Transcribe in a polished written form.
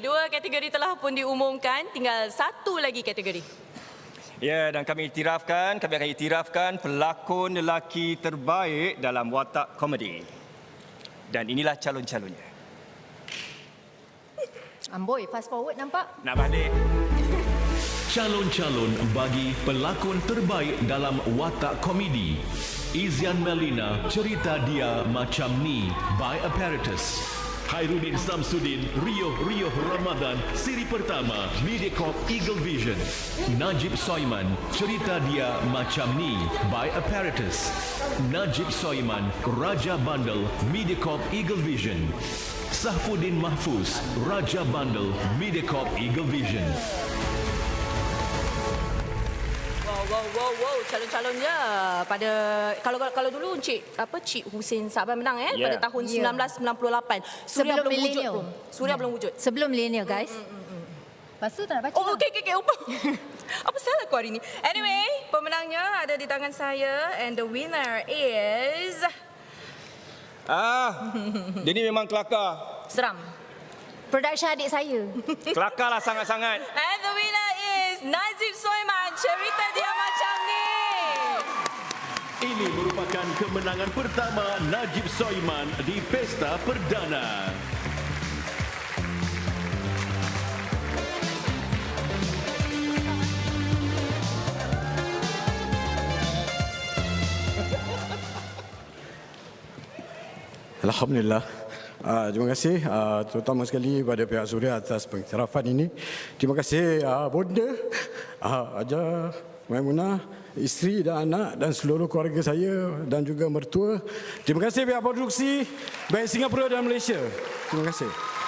2 kategori telah pun diumumkan, tinggal 1 lagi kategori. Ya, dan kami akan iktirafkan pelakon lelaki terbaik dalam watak komedi. Dan inilah calon-calonnya. Amboi, fast forward nampak? Nak balik. Calon-calon bagi pelakon terbaik dalam watak komedi. Izian Melina, cerita dia macam ni by Apparatus. Hairudin Samsudin, Rio Ramadan, siri pertama, Mediacorp Eagle Vision. Najib Soiman, cerita dia macam ni by Apparatus. Najib Soiman, Raja Bandel, Mediacorp Eagle Vision. Sahfuddin Mahfuz, Raja Bandel, Mediacorp Eagle Vision. Wow, calon-calonnya pada kalau dulu Cik Hussein Saban menang pada tahun 1998. Suria Sebelum belum wujud milenial. pun. Suria belum wujud. Sebelum milenial, guys. Lepas tu tak nak baca. Oh, okey. Apa salah aku hari ni? Anyway, pemenangnya ada di tangan saya and the winner is Dia ni memang kelakar. Seram. Production adik saya. Kelakar lah sangat-sangat. And the winner is Najib Soiman, cerita dia macam ni. Ini merupakan kemenangan pertama Najib Soiman di Pesta Perdana. Alhamdulillah. Terima kasih terutama sekali pada pihak Suria atas pengiktirafan ini. Terima kasih bonda, Haja Maimunah, isteri dan anak dan seluruh keluarga saya dan juga mertua. Terima kasih pihak produksi baik Singapura dan Malaysia. Terima kasih.